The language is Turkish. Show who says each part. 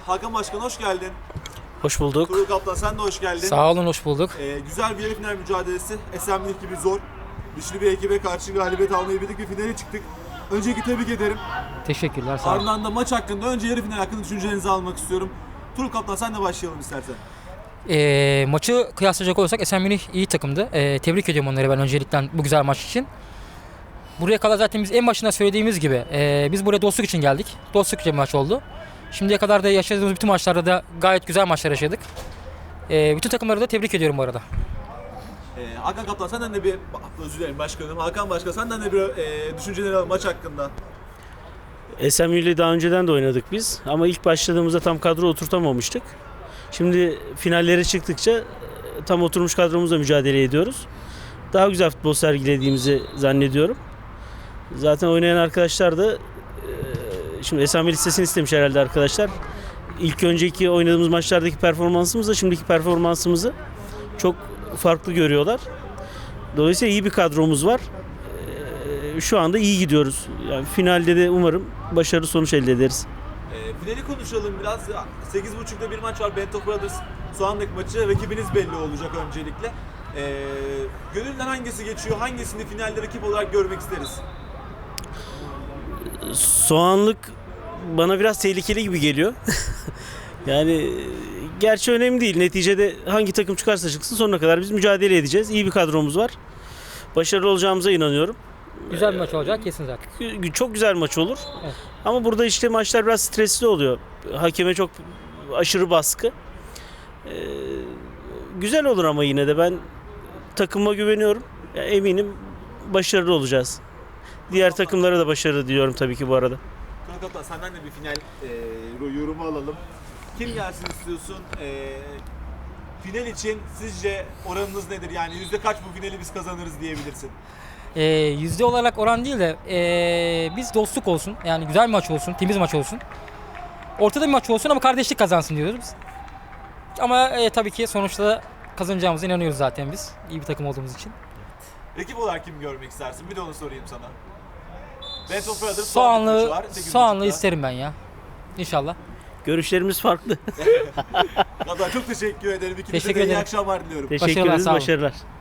Speaker 1: Hakan Başkan hoş geldin.
Speaker 2: Hoş bulduk.
Speaker 1: Tuğrul Kaplan sen de hoş geldin.
Speaker 3: Sağ olun, hoş bulduk.
Speaker 1: Güzel bir yarı final mücadelesi. Esenlik gibi zor. Güçlü bir ekibe karşı galibiyet almayı bildik ve finale çıktık. Öncelikle tebrik ederim.
Speaker 3: Teşekkürler, sağ olun.
Speaker 1: Ardından da maç hakkında, önce yarı final hakkında düşüncelerinizi almak istiyorum. Tuğrul Kaplan sen de başlayalım istersen.
Speaker 3: Maçı kıyaslayacak olursak Esenlik iyi takımdı. Tebrik ediyorum onları ben öncelikle bu güzel maç için. Buraya kadar zaten biz en başında söylediğimiz gibi biz buraya dostluk için geldik. Dostluk bir maç oldu. Şimdiye kadar da yaşadığımız bütün maçlarda da gayet güzel maçlar yaşadık. Bütün takımları da tebrik ediyorum bu arada.
Speaker 1: Hakan Kaplan senden de bir, özür dilerim başkanım, Hakan Başkan senden de bir düşünceleri alalım maç hakkında.
Speaker 2: SMU'yle daha önceden de oynadık biz ama ilk başladığımızda tam kadro oturtamamıştık. Şimdi finallere çıktıkça tam oturmuş kadromuzla mücadele ediyoruz. Daha güzel futbol sergilediğimizi zannediyorum. Zaten oynayan arkadaşlar da şimdi SMU listesini istemiş herhalde arkadaşlar. İlk önceki oynadığımız maçlardaki performansımızla şimdiki performansımızı çok farklı görüyorlar. Dolayısıyla iyi bir kadromuz var. Şu anda iyi gidiyoruz. Yani finalde de umarım başarılı sonuç elde ederiz.
Speaker 1: Finali konuşalım biraz. 8.30'da bir maç var. Bento Brothers Soğanlık maçı. Rakibiniz belli olacak öncelikle. Gönülden hangisi geçiyor? Hangisini finalde rakip olarak görmek isteriz?
Speaker 2: Soğanlık bana biraz tehlikeli gibi geliyor. Yani gerçi önemli değil. Neticede hangi takım çıkarsa çıksın sonuna kadar biz mücadele edeceğiz. İyi bir kadromuz var. Başarılı olacağımıza inanıyorum.
Speaker 3: Güzel bir maç olacak kesin zaten.
Speaker 2: Çok güzel maç olur.
Speaker 3: Evet.
Speaker 2: Ama burada işte maçlar biraz stresli oluyor. Hakeme çok aşırı baskı. Güzel olur ama yine de ben takıma güveniyorum. Yani eminim başarılı olacağız. Diğer takımlara da başarı diliyorum tabii ki bu arada.
Speaker 1: Tuğrul Kaplan senden de bir final yorumu alalım. Kim gelsin istiyorsun? Final için sizce oranınız nedir? Yani yüzde kaç bu finali biz kazanırız diyebilirsin?
Speaker 3: Yüzde olarak oran değil de biz dostluk olsun. Yani güzel bir maç olsun, temiz maç olsun. Ortada bir maç olsun ama kardeşlik kazansın diyoruz biz. Ama tabii ki sonuçta da kazanacağımıza inanıyoruz zaten biz. İyi bir takım olduğumuz için.
Speaker 1: Rakip olarak kim görmek istersin? Bir de onu sorayım sana. Bento Brothers
Speaker 3: Soğanlı isterim ben ya. İnşallah.
Speaker 2: Görüşlerimiz farklı.
Speaker 1: Kaplan çok teşekkür ederim. İkinize
Speaker 3: Teşekkür
Speaker 1: de iyi
Speaker 3: ederim.
Speaker 1: akşamlar diliyorum.
Speaker 2: Teşekkür
Speaker 3: Başarılar,
Speaker 2: ederiz,
Speaker 3: sağ olun.
Speaker 2: başarılar.